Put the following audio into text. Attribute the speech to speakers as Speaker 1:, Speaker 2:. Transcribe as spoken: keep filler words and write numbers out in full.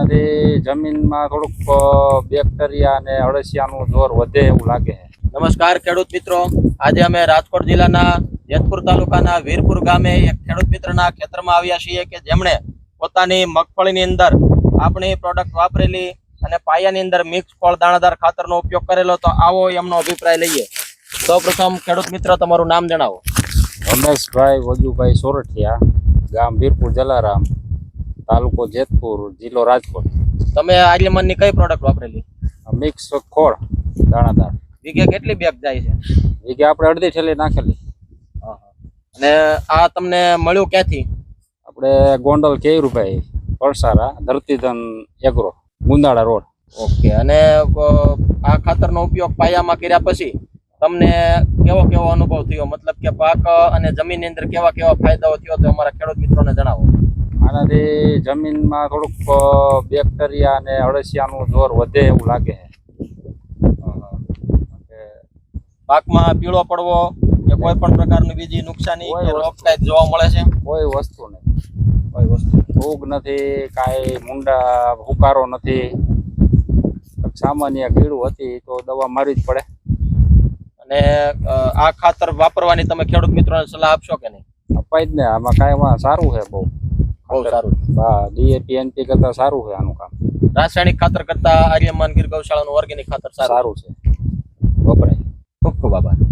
Speaker 1: આનાથી જમીનમાં થોડુંક બેક્ટેરિયા અને અળસિયાનું જોર વધે એવું લાગે છે.
Speaker 2: નમસ્કાર ખેડૂત મિત્રો, આજે અમે રાજકોટ જિલ્લાના જેતપુર તાલુકાના વીરપુર ગામે એક ખેડૂત મિત્રના ખેતરમાં આવ્યા છીએ કે જેમણે પોતાની મગફળીની અંદર આપણી પ્રોડક્ટ વાપરેલી અને પાયાની અંદર મિક્સ ફળ દાણાદાર ખાતરનો ઉપયોગ કરેલો. તો આવો એમનો અભિપ્રાય લઈએ. સૌપ્રથમ ખેડૂત મિત્ર તમારું નામ જણાવો.
Speaker 1: રમેશભાઈ વજુભાઈ સોરઠિયા, ગામ વીરપુર જલારામ, તાલુકો જેતપુર, જિલ્લો રાજકોટ.
Speaker 2: તમે આર્યમાનની કઈ પ્રોડક્ટ વાપરેલી?
Speaker 1: મિક્સ ખોળ દાણાદાર.
Speaker 2: વીઘે કેટલી બેગ જાય છે?
Speaker 1: વીઘે આપણે અડધી ઠેલી નાખેલી.
Speaker 2: અને આ તમને મળ્યું ક્યાંથી?
Speaker 1: આપણે Gondal Keyurbhai Parsara, Dhartidhan agro, Gundala road.
Speaker 2: Okay. અને આ ખાતરનો ઉપયોગ પાયામાં કર્યા પછી તમને કેવો કેવો અનુભવ થયો? મતલબ કે પાક અને જમીનની અંદર કેવા કેવા ફાયદાઓ થયો તો અમારા ખેડૂત મિત્રોને જણાવો.
Speaker 1: આનાથી જમીનમાં થોડુંક બેક્ટેરિયા અને અળસિયાનું જોર વધે એવું લાગે છે.
Speaker 2: પાકમાં પીળો પડવો કે કોઈ પણ પ્રકારની બીજી નુકસાની કે રોગ કાંઈ જોવા મળે છે?
Speaker 1: કોઈ વસ્તુ નહીં.
Speaker 2: કોઈ વસ્તુ
Speaker 1: ફૂગ નથી, કાંઈ મુંડા હુકારો નથી. સામાન્ય કીડું હતી તો દવા મારવી જ પડે.
Speaker 2: અને આ ખાતર વાપરવાની તમે ખેડૂત મિત્રોને સલાહ આપશો કે નહીં?
Speaker 1: અપાય જ ને. આમાં કાંઈ સારું છે, બહુ
Speaker 2: બહુ સારું.
Speaker 1: હા, ડીએપી એનપી કરતા સારું છે આનું કામ.
Speaker 2: રાસાયણિક ખાતર કરતા આર્યમાન ગીર ગૌશાળાનું ઓર્ગેનિક ખાતર સારું
Speaker 1: સારું છે, વપરાય.
Speaker 2: ખૂબ ખૂબ આભાર.